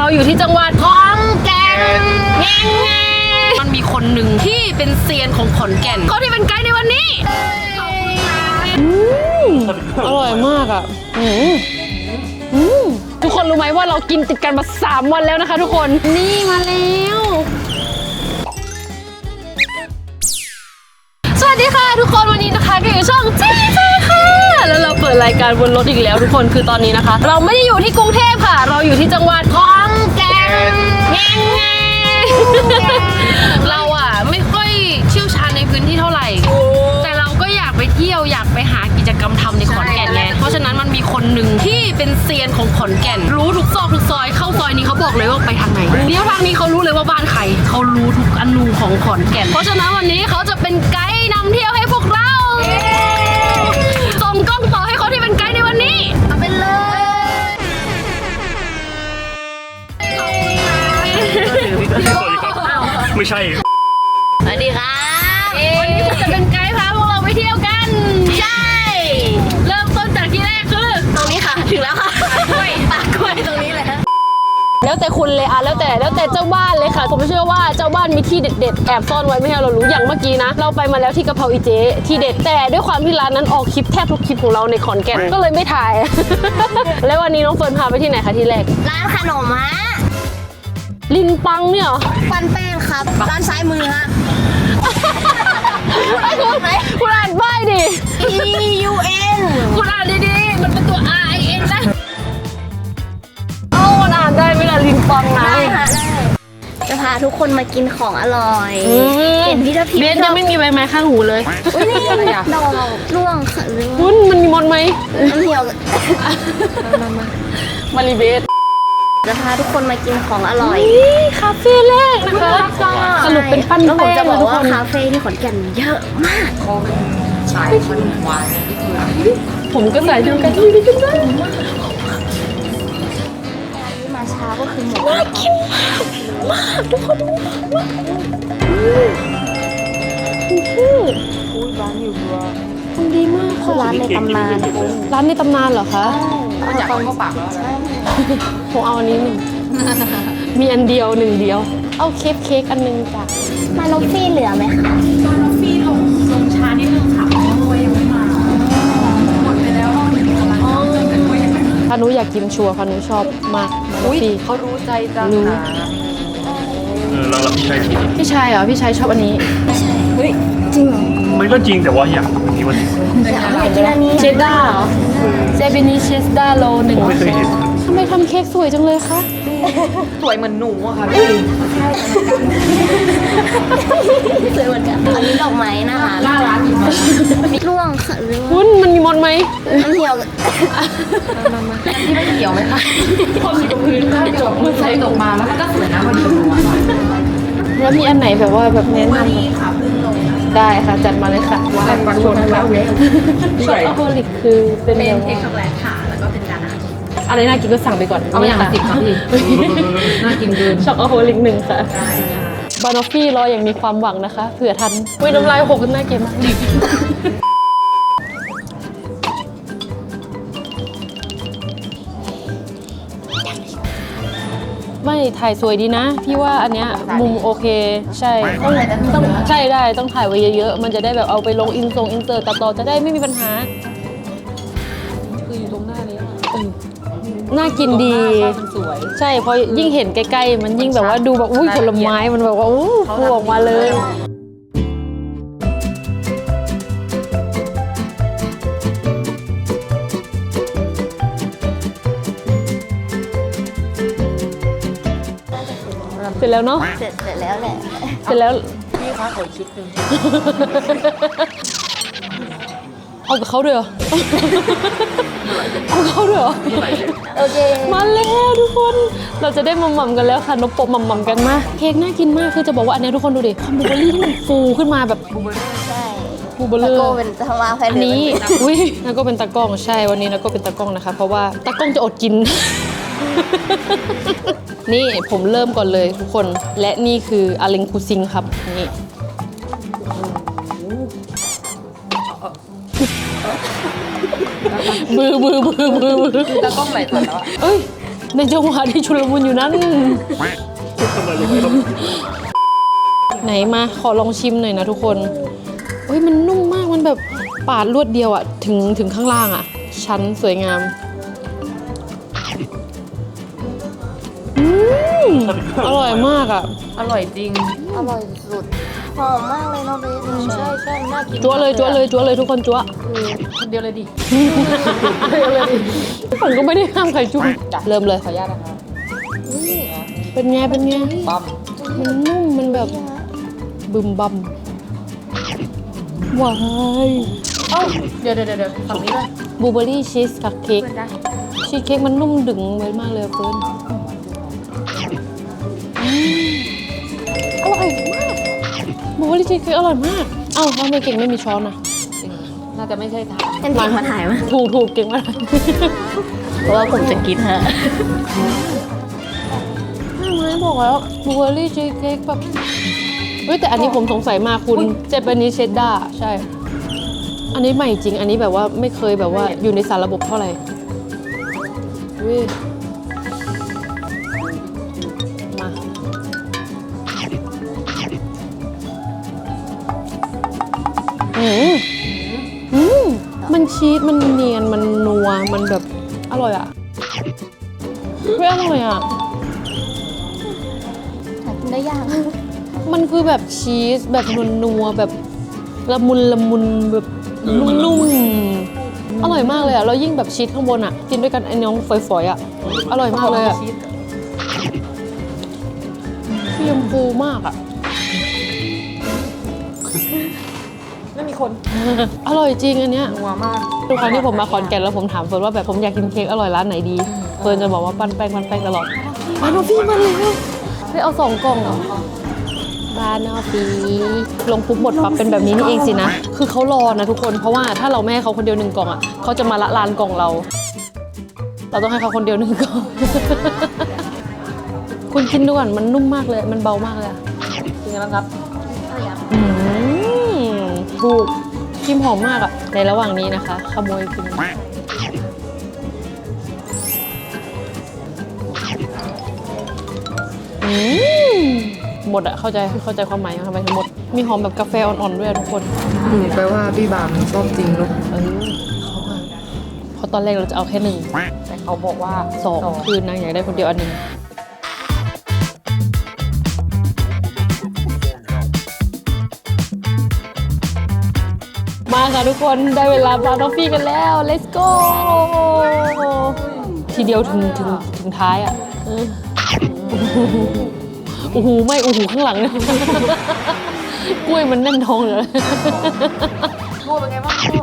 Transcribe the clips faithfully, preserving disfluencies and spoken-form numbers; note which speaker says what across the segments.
Speaker 1: อยู่ที่จังหวัดขอนแก่นแง่แง่มันมีคนหนึ่งที่เป็นเซียนของขอนแก่นเขาที่เป็นไกด์ในวันนี้อร่อยมากอ่ะทุกคนรู้ไหมว่าเรากินติดกันมาสามวันแล้วนะคะทุกคนนี่มาแล้วสวัสดีค่ะทุกคนวันนี้นะคะก็อยู่ช่องจีจีค่ะแล้วเราเปิดรายการบนรถอีกแล้วทุกคนคือตอนนี้นะคะเราไม่ได้อยู่ที่กรุงเทพค่ะเราอยู่ที่จังหวัดขอนแก่นแง่แง่เราอ่ะไม่ค่อยเชี่ยวชาญในพื้นที่เท่าไหร่แต่เราก็อยากไปเที่ยวอยากไปหากิจกรรมทำในขอนแก่นไงเพราะฉะนั้นมันมีคนหนึ่งที่เป็นเซียนของขอนแก่นรู้ทุกซอกทุกซอยเข้าซอยนี้เขาบอกเลยว่าไปทางไหนเลี้ยวทางนี้เขารู้เลยว่าบ้านใครเขารู้ทุกอนูของขอนแก่นเพราะฉะนั้นวันนี้เขาจะเป็นไกด์นำเที่ยวให้พวกเราส่งกล้องต่อให้เขาที่เป็นไกด์ในวันนี้เอาไปเลย
Speaker 2: ไม่ใช่
Speaker 1: สวัสดีครับวันนี้ผมจะเป็นไกด์พาพวกเราไปเที่ยวกันใช่เริ่มต้นจากที่แรกคือตรงนี้ค่ะถึงแล้วค่ะปากกล้วยปากกล้วยตรงนี้เลยแล้วแต่คุณเลยอะแล้วแต่แล้วแต่เจ้าบ้านเลยค่ะผมเชื่อว่าเจ้าบ้านมีที่เด็ดๆแอบซ่อนไว้ไม่ให้เรารู้อย่างเมื่อกี้นะเราไปมาแล้วที่กะเพราอีเจที่เด็ดแต่ด้วยความที่ร้านนั้นออกคลิปแทบทุกคลิปของเราในขอนแก่นก็เลยไม่ถ่าย แล้ววันนี้น้องเฟิร์นพาไปที่ไหนคะที่แรก
Speaker 3: ร้านขนมฮะ
Speaker 1: ลินปังเนี่ยเหรอ
Speaker 3: ปันแป้งครับร้านซ้ายมือฮะ
Speaker 1: ไอ้คุณคุณอ่านป้ายดิ
Speaker 3: E U N
Speaker 1: คุณอ่านดีๆมันเป็นตัว R I N นะโอ้มันอ่านได้ไหมล่ะลินปังนะ
Speaker 3: ได้ค่ะได้จะพาทุกคนมากินของอร่อยเห็นพี่ทัพทิม
Speaker 1: เบสยังไม่มีใบไม้ข้างหูเลย
Speaker 3: อุ้ยนี่ดอกร่วงค่ะ
Speaker 1: คุณมันมีมดไหม
Speaker 3: น้ำเหี่ยว
Speaker 1: มามามารีเบส
Speaker 3: จะพาทุกคนมากินของอร่อย
Speaker 1: คาเฟ่แรกนะคะสรุปเป็นปั้นแป้ง
Speaker 3: จะบอกว่าคาเฟ่ที่ขอนแก่นเยอะมาก
Speaker 1: สายพันธุ์วายผมก็สายเดียวกันที่นี่กันได้
Speaker 3: มาช้าก็คือหมด
Speaker 1: น่ากินมากมากทุกคนมากอุ้ยร้านอยู่รัวดีมากค่ะ
Speaker 3: ร้านในตำนาน
Speaker 1: ร้านในตำนานเหรอคะ
Speaker 3: อยากเข้าปากแล้ว
Speaker 1: ผมเอาอันนี้หนึ่งมีอันเดียวหนึ่งเดียวเอาเค้กเค้กอันนึงจ้ะ
Speaker 3: มาโนฟี่เหลือไหมคะ
Speaker 4: มาโนฟี่ลงลงช้านิดนึงค่ะเพราะว่ายังไม่มาหมดไปแล้วรอบนึงกำลังเติมกันด้วยยังไง
Speaker 1: พานุอยากกินชัวร์พานุชอบมากมาโนฟี่
Speaker 4: เขารู้ใจจัง
Speaker 1: รู้
Speaker 2: เออแล้วพี่ชาย
Speaker 1: พี่ชายเหรอพี่ชายชอบอันนี้
Speaker 3: เฮ้ยจริงเหรอ
Speaker 2: มันก็จริงแต่ว่าอยากอันนี้วันนี้
Speaker 3: อยากกินอันนี้
Speaker 1: เชดด้าเหรอเซบินีเชสด้าโลหนึ่ง
Speaker 2: ไม่เคยเห็น
Speaker 1: ทำไมทำเค้กสวยจังเลยคะ
Speaker 4: สวยเหมือนหนูอะค่ะพี่
Speaker 3: สวยเหมือนกันอันนี้ดอกไม้นะคะ
Speaker 4: น่ารัก
Speaker 3: มีร่วงค่ะ
Speaker 1: คุณมันมีมดไหม
Speaker 3: น้ำเหี่ยว
Speaker 4: ที่ไม่เกี่ยวไหมคะพอมีตรงพื้นก็จบมือใส่ตกมาแล้วมันก็สวยนะพอดี
Speaker 1: แล้วมีอันไหนแบบว่าแบบแนะนำได้ค่ะจัดมาเลยค่ะ
Speaker 4: ว่าปังชนแล้วเนี่ย
Speaker 1: ช็อกโกแลตคือเป็น
Speaker 4: เป็นเค้กช็อกโกแลตค่ะแล้วก็เป็นจานอาหาร
Speaker 1: อะไรน่ากินก็สั่งไปก่อน
Speaker 4: เอาอย่างละสิบครับพี่น่ากินเกิน
Speaker 1: ช็อกโกแลตหนึ่งค่ะบานอฟฟี่รออย่างมีความหวังนะคะเผื่อทันวิ่งน้ำลายหกกันน่าเกลียดมากไม่ถ่ายสวยดีนะพี่ว่าอันเนี้ยมุมโอเคใช่ต้องใช่ได้ต้องถ่ายไว้เยอะๆมันจะได้แบบเอาไปลงอินทรงอินเสิร์ตตัดต่อจะได้ไม่มีปัญหาคืออยู่ตรงหน้านี้น่ากินดีสวยใช่เพราะยิ่งเห็นใกล้ๆมันยิ่งแบบว่าดูแบบอุ้ยผลไม้มันแบบว่าอู้ฟูออกมาเลยเสร็จแล้วเนาะ
Speaker 3: เสร็จเสร็จแล้วแหละ
Speaker 1: เสร็จแล้ว
Speaker 4: พี่คะขอชุดหนึ่ง
Speaker 1: เอากับเขาด้วยเหรอเอาเขาด้วยเหรอ
Speaker 3: โอเค
Speaker 1: มาแล้วทุกคนเราจะได้มัมมัมกันแล้วค่ะนกปกมัมมัมกันมาเค้กน่ากินมากคือจะบอกว่าอันนี้ทุกคนดูดิคอมบูเบอรี่ที่มันฟูขึ้นมาแบบบูเบอรี่
Speaker 3: ใช่
Speaker 1: บูเบอรี่
Speaker 3: ตะโก้เป็นตะวาแฟน
Speaker 1: นี้อุ้ยนักก็เป็นตะก้องใช่วันนี้นักก็เป็นตะก้องนะคะเพราะว่าตะก้องจะอดกินนี่ผมเริ่มก่อนเลยทุกคนและนี่คืออาเลงคูซิงครับนี่บือบือบือบือบือ
Speaker 4: ตะก้องไหลตัวแล้ว
Speaker 1: เอ้ย
Speaker 5: ในจังหวะที่ชุลมุนอยู่นั้น
Speaker 2: ทำไมยังไงครับ
Speaker 5: ไหนมาขอลองชิมหน่อยนะทุกคนเฮ้ยมันนุ่มมากมันแบบปาดรวดเดียวอะถึงถึงข้างล่างอะชั้นสวยงามอืมอร่อยมากอะ
Speaker 1: อร่อยจริง
Speaker 3: อร่อยสุดหอมมากเลยเนาะเบส
Speaker 1: ใช่ใช่น่ากิน
Speaker 5: จั๊วเลยจั๊วเลยจั๊วเลยทุกคนจั๊ว
Speaker 1: คนเดียวเลยดิ
Speaker 5: ผมก็ไม่ได้ห้ามใครจุ๊บเริ่มเลยขออนุญาตนะคะเป็นไงเป็นไงปั๊มมันนุ่มมันแบบบึมบัมว้าย
Speaker 1: เอ้าเดี๋ยวเดี๋ยวเดี๋ยวฝั่งนี้เลย
Speaker 5: บลูเบอร์รี่ชีสคัพเค้กชีสเค้กมันนุ่มดึงไว้มากเลยเฟิร์นอืมอร่อยมากบลูเบอร์รี่ชีสเค้กอร่อยมากเอ้าทำไมเก่งไม่มีช้อนอ่ะ
Speaker 1: น่าจะไม่ใช่ทาง
Speaker 3: เป็นเก่งมาถ่ายมั้ย
Speaker 5: ถูกถูกเก่งมาก
Speaker 3: เพราะว่าผมจะกินฮะ
Speaker 5: ไม่บอกแล้วบลูเบอร์รี่ชีสเค้กแบบเฮ้ยแต่อันนี้ผมสงสัยมากคุณเจแปนิสเชดดาร์ใช่อันนี้ใหม่จริงอันนี้แบบว่าไม่เคยแบบว่าอยู่ในสารระบบเท่าไหร่เว้ยมาอืมอืมมันชีสมันเนียนมันนัวมันแบบอร่อยอ่ะเว้ยอร่อยอ่ะ
Speaker 3: หากินได้ยาก
Speaker 5: มันคือแบบชีสแบบนัวๆแบบละมุนละมุนแบบนุ่มๆอร่อยมากเลยอ่ะแล้วยิ่งแบบชีสข้างบนอ่ะกินด้วยกันไอ้น้องฝอยๆอ่ะอร่อยมากเลยอ่ะเค็มฟูมากอ่ะ
Speaker 1: ไม่มีคน
Speaker 5: อร่อยจริงอันเนี้ย
Speaker 1: นัวมาก
Speaker 5: ทุกครั้งที่ผมมาขอนแก่นแล้วผมถามเฟิร์นว่าแบบผมอยากกินเค้กอร่อยร้านไหนดีเฟิร์นจะบอกว่าปั้นแป้งปั้นแป้งตลอดบานอฟฟี่มาเลยเฮ้ยเอาสองกล่องเหรอบานอฟฟี่ลงปุ๊บหมดปั๊บเป็นแบบนี้นี่เองสินะคือเขารอนะทุกคนเพราะว่าถ้าเราไม่ให้เขาคนเดียวหนึ่งกล่องอ่ะเขาจะมาละลานกล่องเรา เราต้องให้เขาคนเดียวหนึ่งกล่อง คุณกินดูก่อนมันนุ่มมากเลยมันเบามากเลยอะ
Speaker 1: จริงแล้วครับ
Speaker 5: อืมถูกครีมหอมมากอะในระหว่างนี้นะคะขโมยกินอืมหมดอะเข้าใจเข้าใจความหมายทำไมถึงหมดมีหอมแบบกาแฟอ่อนๆด้วยอะทุกคน
Speaker 1: อืมแปลว่าพี่บามชอบจริงเนาะ
Speaker 5: เออเขาอะเพราะตอนแรกเราจะเอาแค่หนึ่ง
Speaker 1: แต่เขาบอกว่า
Speaker 5: สองคือนางอยากได้คนเดียวอันหนึ่งมาค่ะทุกคนได้เวลาบราวน์ทอฟฟี่กันแล้ว let's go ทีเดียวถึงถึงถึงท้ายอ่ะเออโอ้โหไม่โอ้โหข้างหลังเนี่ยกล้วยมันแน่นท้องเลย
Speaker 1: โม่เป็นไงบ้างโม่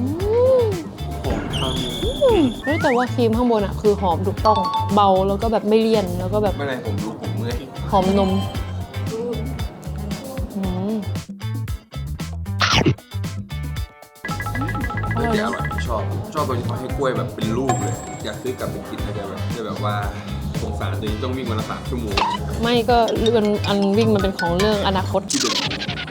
Speaker 5: เฮ้ยแต่ว่าครีมข้างบนอ่ะคือหอมถูกต้องเบาแล้วก็แบบไม่เลี่ยนแล้วก็แบบ
Speaker 6: ไม่เป็นไรผมรู้ผมเมื่อย
Speaker 5: หอมนมอืม
Speaker 6: เมื่อกี้อร่อยชอบชอบตรงที่เขาให้กล้วยแบบเป็นลูกเลย อยากซื้อกลับไปกินนะแต่แบบแต่แบบว่าสงสารตัวเองต้องวิ่งวันละสามชั่วโมง
Speaker 5: ไม่ก็เรื่องอันวิ่งมันเป็นของเรื่องอนาคต
Speaker 6: ที่เดิม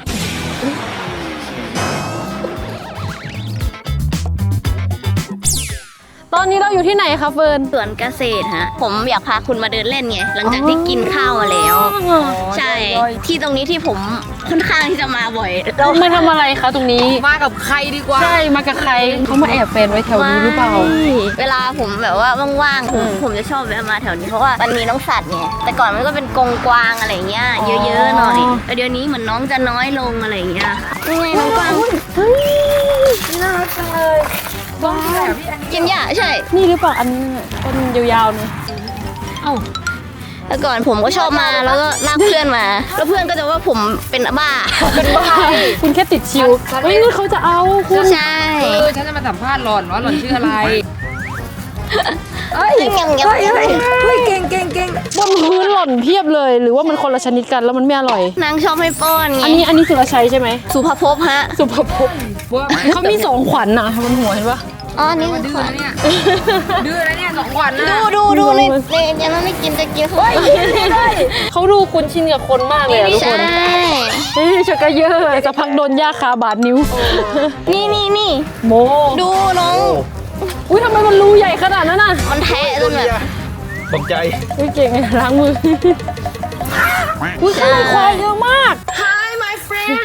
Speaker 5: ตอนนี้เราอยู่ที่ไหนคะเฟิร์น
Speaker 3: สวนเกษตรฮะ ผมอยากพาคุณมาเดินเล่นไง หลังจากที่กินข้าวมาแล้ว ใช่ ที่ตรงนี้ที่ผมค่อนข้างที่จะมาบ่อย
Speaker 5: เรามาทำอะไรคะตรงนี้
Speaker 1: มากับใครดีกว่า
Speaker 5: ใช่ มากับใคร เขามาแอบแฟนไว้แถวนี้หรือเปล่า
Speaker 3: เวลาผมแบบว่าว่างๆผมผมจะชอบแวะมาแถวนี้เพราะว่ามันมีน้องสัตว์ไงแต่ก่อนมันก็เป็นกรงกวางอะไรเงี้ยเยอะๆหน่อยแต่เดี๋ยวนี้เหมือนน้องจะน้อยลงอะไรเงี้ยยังไงน้องกวาง
Speaker 1: น่ารักจังเลยบ้าพี่อัน
Speaker 3: กินหญ้าใช่
Speaker 5: นี่หรือเปล่าอันนี้น่ะต้นยาวๆเนี่ยเอ้า
Speaker 3: แต่ก่อนผมก็ชอบมาแล้วก็ลากเพื่อนมา แล้วเพื่อนก็จะว่าผมเป็นบ้า
Speaker 5: เป็นบ้าคุณแค่ติดชิวเฮ้ยนี่เขาจะเอาคุณ
Speaker 3: ใช่
Speaker 1: เออฉันจะมาสัมภาษณ์หล่อนว่าหล่อนชื่ออะไรเอ้ย
Speaker 3: ยังยังยัง
Speaker 1: เฮ้ยเฮ้ยเฮ้ยเก่งเก่งเก่ง
Speaker 5: บนพื้นหล่นเพียบเลย หรือว่ามันคนละชนิดกันแล้วมันไม่อร่อย
Speaker 3: นางชอบให้ป้อนไง
Speaker 5: อันนี้อันนี้สุรชัยใช่ไหม
Speaker 3: สุภภพฮะ
Speaker 5: สุภพจน์เขามีสองขวัญนะบนหัวเห็นปะ
Speaker 3: อ๋ออันนี่
Speaker 1: ดื้อนะเนี่ยดื้อนะเนี่ยสองวันนะ
Speaker 3: ดูดูดูในในยังไม่กินจะกินเขา
Speaker 5: เขาดูคุ้นชินกับคนมากเลยอะทุก
Speaker 3: ใช่
Speaker 5: คนเฮ้ยชักกะเยอะจะพักโดนย่าคาบาดนิ้ว
Speaker 3: นี่นี่นี่
Speaker 5: โม
Speaker 3: ดูน้อง
Speaker 5: อุ้ยทำไมมันรูใหญ่ขนาดนั้นน่ะ
Speaker 3: มันแทะจนแบบ
Speaker 2: ตกใจ
Speaker 5: อุ้ยเก่งล้างมืออุ้ยข้างในควายเยอะมาก
Speaker 1: Hi my friend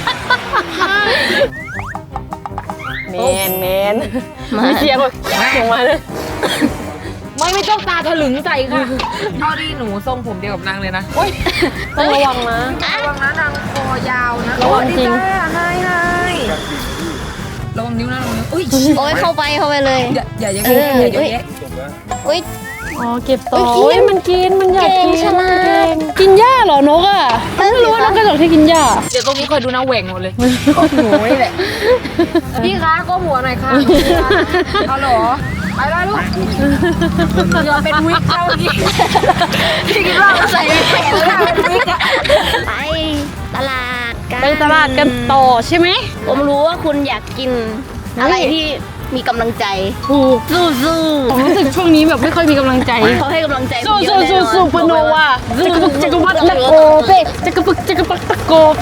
Speaker 5: แมนแมนมีเสียงแบบเสียงมาเลย
Speaker 4: ไม่ไม่ต้องตาถลึงใส่ค่ะเท่าที่หนูทรงผมเดียวกับนางเลยนะโอ้ย
Speaker 5: ต้องระวังนะ
Speaker 4: ระวังนะนางคอยาวนะ
Speaker 5: ระวังจริง
Speaker 4: ให้ให้ระวังนิ้วนะระวังนิ้วอุ้ย
Speaker 3: โอ้ยเข้าไปเข้าไปเลย
Speaker 4: อย่าอย่าอย่า
Speaker 3: เออ
Speaker 4: อย่าอย่าอย่า
Speaker 3: อุ้ย
Speaker 5: อ๋อเก็บต่อ
Speaker 3: เอ้ยกิน
Speaker 5: โอ้ยมันกินมันอยาก
Speaker 3: เก่
Speaker 5: กิ
Speaker 3: ง
Speaker 5: น
Speaker 3: ฉลาด
Speaker 5: เก่งกินหญ้าเหรอนกอ่ะ
Speaker 3: นั่นสิ
Speaker 5: ไม่รู้ว่านกกระจอกที่กินหญ้า
Speaker 4: เดี๋ยวตรงนี้คอยดูนะแหว่งหมดเลยหนูนี่แหละพี่คะก็หัวหน่อยค่ะเอาเหรอไปได้ลูกอย่าเป็นวิกเท่านี้พี่คิดว่าใส่แขนแล้วเป็นวิกอะ
Speaker 3: ไปตลาดกัน
Speaker 5: ไปตลาดกันต่อใช่ไหม
Speaker 3: ผมรู้ว่าคุณอยากกินอะไรที่มีกำลังใจ
Speaker 5: ถูก
Speaker 3: สู้สู้
Speaker 5: ผมรู้สึกช่วงนี้แบบไม่ค่อยมีกำลังใจ
Speaker 3: เขาให้กำลังใจผม
Speaker 5: สู้
Speaker 3: เย
Speaker 5: สู้
Speaker 3: อะแน่น
Speaker 5: สู้
Speaker 3: อน
Speaker 5: สู้ปโนวาจักรบุกจักรวัดตะโกเป้จักรบุกจักรปักตะโกเป้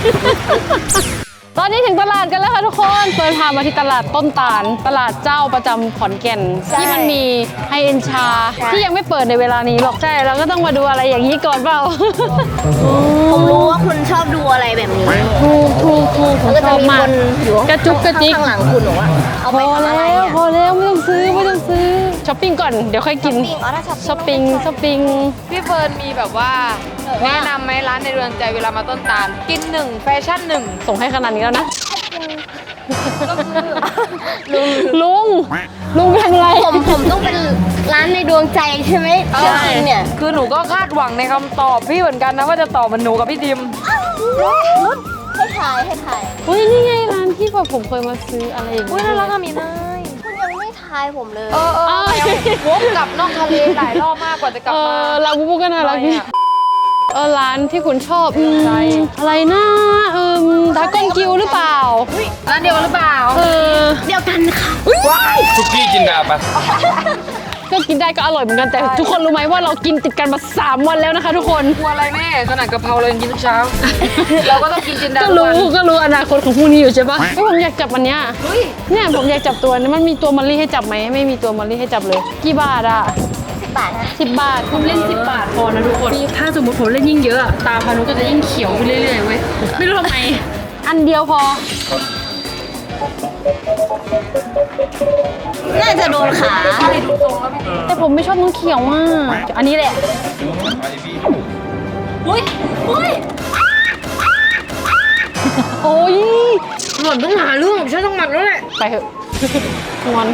Speaker 5: ตอนนี้ถึงตลาดกันแล้วค่ะทุกคนเฟิร์นพามาที่ตลาดต้นตาล ตลาดเจ้าประจำขอนแก่น ที่มันมีไฮเอ็นชา ที่ยังไม่เปิดในเวลานี้หรอกใช่เราก็ต้องมาดูอะไรอย่างนี้ก่อนเปล่า
Speaker 3: ผมรู้ว่าคุณชอบดูอะไรแบบนี้
Speaker 5: ถูกถูกถูกผม
Speaker 3: แล้วก็
Speaker 5: ช
Speaker 3: จะ
Speaker 5: อบ
Speaker 3: มี
Speaker 5: มา
Speaker 3: ค
Speaker 5: ก
Speaker 3: นอยู่
Speaker 5: กระจุกกระจิก
Speaker 3: ข้างหลังคุณหนูอะเอา
Speaker 5: พ
Speaker 3: ไป
Speaker 5: อ
Speaker 3: ทำอะไร
Speaker 5: แล้ว
Speaker 3: อะ
Speaker 5: พอแล้วไม่ต้องซื้อไม่ต้องซื้อช้อปปิ้งก่อนเดี๋ยวค่อยกิน
Speaker 3: ปิ้งอ๋อถ้า
Speaker 5: ช้อปปิ้งช้อปปิ้ง
Speaker 4: พี่เฟิร์นมีแบบว่าแนะนำไหมร้านในเรือนใจเวลามาต้นตาลกินหนึ่งแฟชั่นหนึ่ง
Speaker 5: ส่งให้ขนาดนี้แล้วนะ
Speaker 4: ก็คือ
Speaker 5: ลุง ลุงลุงไปทำอะไร
Speaker 3: ผมผมต้องเป็นร้านในดวงใจใช่ไหมจริงๆเนี่ย
Speaker 4: คือหนูก็คาดหวังในคำตอบพี่เหมือนกันนะว่าจะตอบเหมือนหนูกับพี่ดิม
Speaker 3: ให้ถ่ายให้ถ่าย
Speaker 5: เฮ้ยนี่ไงร้านที่แบบผมเคยมาซื้ออะไรอย่าง
Speaker 4: อุ้ย
Speaker 5: เงี้ย
Speaker 4: น่ารักอะมีเนย
Speaker 3: คุณยังไม่ทายผมเลย
Speaker 4: เออเออพยายามวกกลับนอกทะเลหลายรอบมากกว่าจะกลับ
Speaker 5: เอ
Speaker 4: มา
Speaker 5: อลาบูบูก็น่ารักดี
Speaker 4: ทำไมอะ
Speaker 5: เออร้านที่คุณชอบอืม
Speaker 4: ใช่
Speaker 5: อะไรนะเออดากอนกิวหรือเปล่า
Speaker 4: ร้านเดียวกันหรือเปล่า
Speaker 5: เออ
Speaker 3: เดียวกันค่ะ
Speaker 6: ซุกี้จินดาปะ
Speaker 5: ก็กินได้ก็อร่อยเหมือนกันแต่ทุกคนรู้ไหมว่าเรากินติดกันมาสามวันแล้วนะคะทุกคน
Speaker 4: กลัวอะไรแม่ขนาดกะเพราเรายังกินทุกเช้า เราก็ต้องกินจินดา
Speaker 5: ก็
Speaker 4: ทุก
Speaker 5: รู้
Speaker 4: วัน
Speaker 5: ก็รู้อนาคตของพวกนี้อยู่ใช่ปะเฮ้ยผมอยากจับอันเนี้ยเนี่ยผมอยากจับตัวนี้มันมีตัวมอลลี่ให้จับไหมไม่มีตัวมอลลี่ให้จับเลย กี่บาทอ่ะ
Speaker 3: สิบบาทนะ
Speaker 5: สิบบาทผมเล่นสิบบาทพอนะทุกคนถ้าสมมติผมเล่นยิ่งเยอะอะตาพานุก็จะยิ่งเขียวไปเรื่อยๆเว้ยไม่รู้ทำไมอันเดียวพอ
Speaker 3: น่าจะโดนขา
Speaker 5: แต่ผมไม่ชอบน้องเขียวมากอันนี้แหละ
Speaker 3: อุ้ยอุ้ย
Speaker 5: โอ้ย
Speaker 4: หล่อนต้องหาเรื่องของฉันต้องมันแล้วแหละ
Speaker 5: ไปเถอะงอน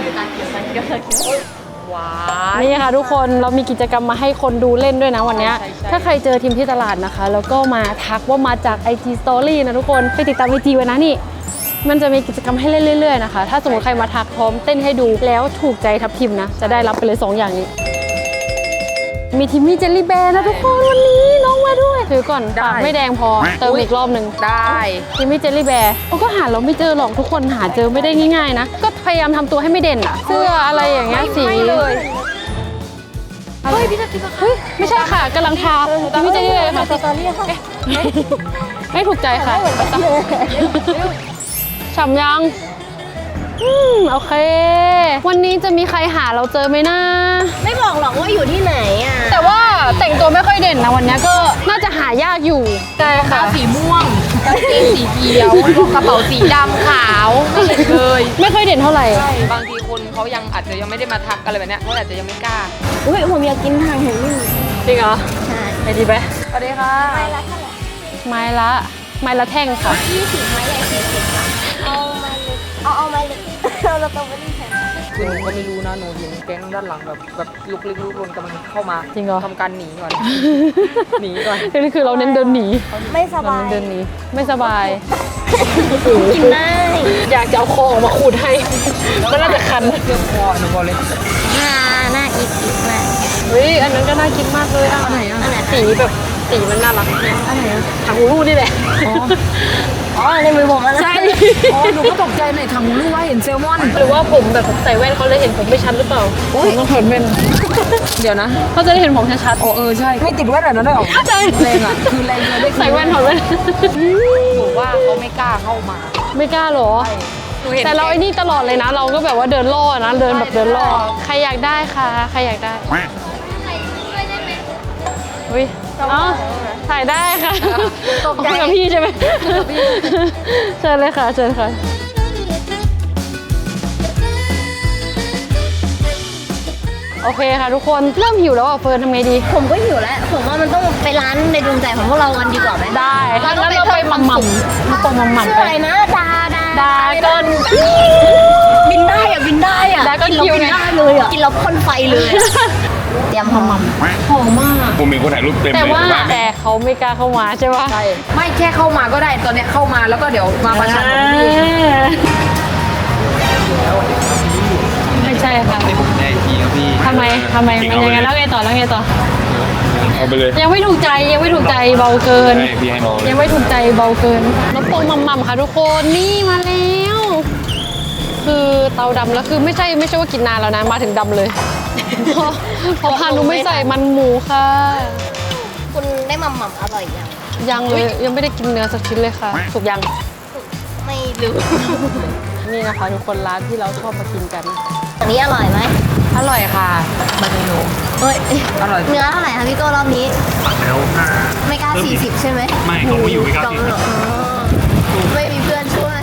Speaker 5: ว้านี่ค่ะทุกคนเรามีกิจกรรมมาให้คนดูเล่นด้วยนะวันเนี้ยถ้าใครเจอทีมที่ตลาดนะคะ แล้วก็มาทักว่ามาจาก ไอ จี Story นะทุกคนไปติดตาม ไอ จี ไว้นะนี่ มันจะมีกิจกรรมให้เล่นเรื่อยๆนะคะถ้าสมมติใครมาทักพร้อมเต้นให้ดูแล้วถูกใจทับทิมนะจะได้รับไปเลยสองอย่างนี้ มีทิมมี่เจลลี่แบร์นะทุกคนวันนี้น้องมาด้วยถือก่อนปากไม่แดงพอเติมอีกรอบหนึ่ง
Speaker 4: ได้
Speaker 5: ทิมมี่เจลลี่แบร์ก็หาเราไม่เจอหรอกทุกคนหาเจอไม่ได้ง่ายๆนะก็พยายามทำตัวให้ไม่เด่นอะเสื้ออะไรอย่างเงี้ยสี
Speaker 4: ไม่เลย
Speaker 5: เฮ้ยพี่จะกินเฮ้ยไม่ใช่ค่ะกำลังทาทิมมี่เจลลี่แบร์ค่ะ
Speaker 3: ตอนนี้ค่ะ
Speaker 5: ไม่ถูกใจค่ะฉ่ำยังอืมโอเค วันนี้จะมีใครหาเราเจอไหมนะ
Speaker 3: ไม่บอกหรอกว่าอยู่ที่ไหนอ่ะ
Speaker 5: แต่ว่าแต่งตัวไม่ค่อยเด่นนะวันนี้ก็น่าจะหายากอยู่ใช่ค่ะ
Speaker 4: สีม่วงกางเกงสีเขียวกระเป๋าสีดำขาวไม่เห็นเลย
Speaker 5: ไม่ค่อยเด่นเท่าไหร่
Speaker 4: บางทีคนเขายังอาจจะยังไม่ได้มาทักอะไรแบบเนี้ยเขาอาจจะยังไม่กล้า
Speaker 3: อุ้ยผมอยากกินทางเห็นนี่
Speaker 5: จริงเหรอ
Speaker 3: ใช่
Speaker 5: ไปดีไหม
Speaker 4: สวัสดีค่ะ
Speaker 3: ไม้ละเท่าไหร่
Speaker 5: ไม้ละไม้ละแท่งค่ะ
Speaker 3: ยี่สิบไม้ใหญ่สี่สิบค่ะเอาไม้เล็กเอาเอาไม้เล็กเราเราต้องไปที่แทน
Speaker 4: คือหนูก็ไม่รู้นะหนูเห็นแก๊งด้านหลังแบบแบบลุกลี้ลุกลนกำลังเข้ามา
Speaker 5: จริงเหรอ
Speaker 4: ทำการหนีก่อน หนีก่อน
Speaker 5: นี่คือเราเน้นเดินหนี
Speaker 3: ไม่ส
Speaker 5: เรา
Speaker 3: บา
Speaker 5: เน้
Speaker 3: ย
Speaker 5: นเดินหนีไม่สบาย
Speaker 3: กินได้
Speaker 5: อยากจะเอาคอออกมาขูดให้มันน่าจะคัน
Speaker 4: เรื่องคอหนูบอกเลย
Speaker 3: น่าน่าอีกอีกมาก
Speaker 5: เฮ้ยอันนั้นก็น่ากินมากเลยอ่ะไหนอ่ะสีแบบสีมันน่ารักเนี่ยอันไหนอ่ะถังหูรูดนี่แหละ
Speaker 3: อ๋อในมือผมแล้วนะ
Speaker 5: ใช่
Speaker 4: อ๋อหนูก็ตกใจในถังรู้ว่าเห็นเซลมอน
Speaker 5: หรือว่าผมแบบใส่แว่นเขาเลยเห็นผมไม่ชัดหรือเปล่าผมต้องถอดแว่น
Speaker 4: เดี๋ยวนะ
Speaker 5: เขาจะได้เห็นผมชัด
Speaker 4: โอ้เออใช่ไม่ติดแว่นแบบนั้นได้หรอ
Speaker 5: ๆใช่
Speaker 4: แรงอ่ะคือแรงเลยได้
Speaker 5: ใส่แว่นถอดแว่น
Speaker 4: หนูว่าเขาไม่กล้าเข้ามา
Speaker 5: ไม่กล้าหรอ
Speaker 4: หนูเห็น
Speaker 5: แต่เราไอ้นี่ตลอดเลยนะ เราก็แบบว่าเดินล่อนะเดินแบบเดินล่อใครอยากได้คะใครอยากได้
Speaker 3: ใคร
Speaker 5: อุ้ยอ๋อถ่ายได้ค่ะตกใจกับพี่ใช่ไหมเชิญเลยค่ะเชิญค่ะโอเคค่ะทุกคนเริ่มหิวแล้วอ่ะเฟิร์นทำไงดี
Speaker 3: ผมก็หิวแล้ว ผมว่ามันต้องไปร้านในดวงใจของพวกเรากันดีกว่าไหม
Speaker 5: ได้ถ้างั้นเราไปหม่ำหม่ำไปหม่ำหม่ำ
Speaker 3: ชื่อ
Speaker 5: ไป
Speaker 3: อะไรนะ ดา ดา
Speaker 5: ดาเกิน
Speaker 3: บินได้อะบินได้อะ
Speaker 5: ดาก้อน
Speaker 3: กินแล้ว
Speaker 5: คิว
Speaker 3: บิน
Speaker 5: ไง
Speaker 3: ได้เลยอะกินแล้วพ่นไฟเลยอะเตรียมหอม
Speaker 5: หอมมาก
Speaker 2: ผมมีคนถ่ายรูปเต็มเลย
Speaker 5: แต่ว่า
Speaker 2: บ้น
Speaker 5: แต่เขาไม่กล้าเข้ามาใช่ปะ
Speaker 4: ใช่ไม่แค่เข้ามาก็ได้ตอนเนี้ยเข้ามาแล้วก็เดี๋ยวมาประชันกับพี่
Speaker 5: ไม่ใช่ค่ะ
Speaker 6: ได้ทีครับพี่
Speaker 5: ทำไมทำไมมันยังไงแล้วไงต่อแล้วไงต่อ
Speaker 2: เอาไปเลย
Speaker 5: ยังไม่ถูกใจยังไม่ถูกใจเบาเกิน
Speaker 2: ให้พี่ให้น้องเลย
Speaker 5: ยังไม่ถูกใจเบาเกินน้ำโป่งหม่ำๆค่ะทุกคนนี่มาแล้วคือเตาดำแล้วคือไม่ใช่ไม่ใช่ว่ากินนานแล้วนะมาถึงดำเลย เพราะเพราะพานุไม่ใส่มันหมูค่ะ
Speaker 3: ๆคุณได้หม่ำหม่ำอร่อยยัง
Speaker 5: ยังเลยยังไม่ได้กินเนื้อสักชิ้นเลยค่ะถูกยัง
Speaker 3: ไม่รู้
Speaker 5: นี่นะคะทุกคนร้านที่เราชอบมากินกัน
Speaker 3: อันนี้อร่อยไหม
Speaker 4: อร่อยค่ะมาเมนู
Speaker 3: เฮ้ย
Speaker 4: อร่อย
Speaker 3: เนื้อเท่าไหร่คะพี่โก้รอบนี้
Speaker 2: แล้วห้า
Speaker 3: ไม่กล้าสี่สิบใช่ไหม
Speaker 2: ไม่เขาไม่อยู่ไม่กล้า
Speaker 3: จอง
Speaker 2: กิน
Speaker 3: เหรออ๋อไม่มีเพื่อนช่วย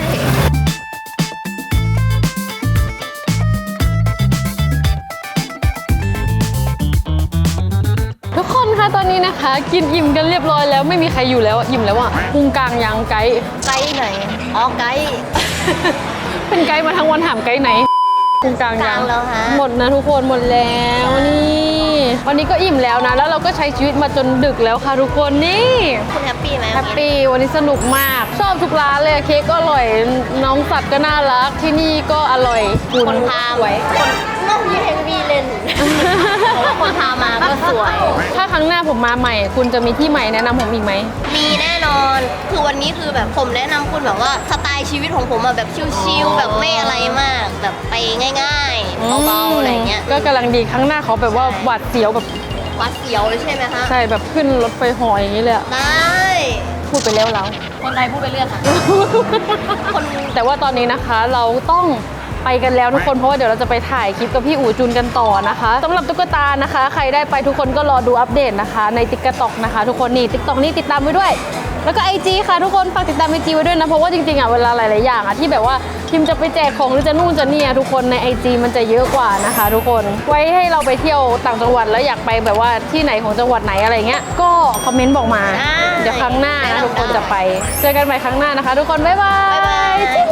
Speaker 5: ทุกคนคะตอนนี้นะคะ กินอิ่มกันเรียบร้อยแล้วไม่มีใครอยู่แล้วอะอิ่มแล้วอ่ะพุงกลางยังไกด์
Speaker 3: ไกด์ไหน อ๋อ ไกด์
Speaker 5: เป็นไกด์มาทั้งวันถามไกด์ไหนพุงกลาง
Speaker 3: ก
Speaker 5: ยั
Speaker 3: ลาง งแล้วฮะ
Speaker 5: หมดนะทุกคนหมดแล้วนี่วันนี้ก็อิ่มแล้วนะ แล้วเราก็ใช้ชีวิตมาจนดึกแล้วค่ะทุกคนนี่
Speaker 3: คุณแฮปปี้ไหม
Speaker 5: แฮปปี้วันนี้สนุกมาก ชอบทุกร้านเลยเค้กก็อร่อยน้องสัตว์ก็น่ารักที่นี่ก็อร่อยคุณ
Speaker 3: คนพาไว้คนนอกยี่เฮงวีเล่นเพราะว่าคนพามาก็สวย
Speaker 5: ถ้าครั้งหน้าผมมาใหม่ คุณจะมีที่ใหม่แนะนำผมอีกไหม
Speaker 3: มีแน่นอน คือวันนี้คือแบบผมแนะนำคุณแบบว่าสไตล์ชีวิตของผมอะแบบชิลๆแบบไม่อะไรมาก แบบไปง่ายๆเบาๆอะไรเงี้ย
Speaker 5: ก็กำลังดีครั้งหน้าเขาแบบว่าหวาดเสียวแบบ
Speaker 3: วัดเสียวเลยใช่ไหมคะ
Speaker 5: ใช่แบบขึ้นรถไฟเหออย่างนี้เลยอะ
Speaker 3: ได้
Speaker 5: พูดไปแล้วแล้ว
Speaker 3: คนไทยพูดไปเรื่อยค่ะ คน
Speaker 5: แต่ว่าตอนนี้นะคะเราต้องไปกันแล้วทุกคนเพราะว่าเดี๋ยวเราจะไปถ่ายคลิปกับพี่อู๋จุนกันต่อนะคะสำหรับตุ๊กตานะคะ ใครได้ไปทุกคนก็รอดูอัปเดตนะคะในติ๊กต็อกนะคะ ทุกคนนี่ติ๊กต็อกนี่ติดตามไว้ด้วย แล้วก็ ไอ จี ค่ะทุกคนฝากติดตาม ไอ จี ไว้ด้วยนะเพราะว่าจริงๆอ่ะเวลาหลายๆอย่างอ่ะที่แบบว่าพิมจะไปแจกของหรือจะนู่นจะนี่อะทุกคนใน ไอ จี มันจะเยอะกว่านะคะ ทุกคนไว้ให้เราไปเที่ยวต่างจังหวัดแล้วอยากไปแบบว่าที่ไหนของจังหวัดไหนอะไรเงี้ยก็คอมเมนต์บอกมาเดี๋ยวครั้งหน้านะทุกคนจะไปเจอกันใหม่ครั้งหน้านะคะ ทุกคนบ๊ายบาย
Speaker 3: บ๊ายบาย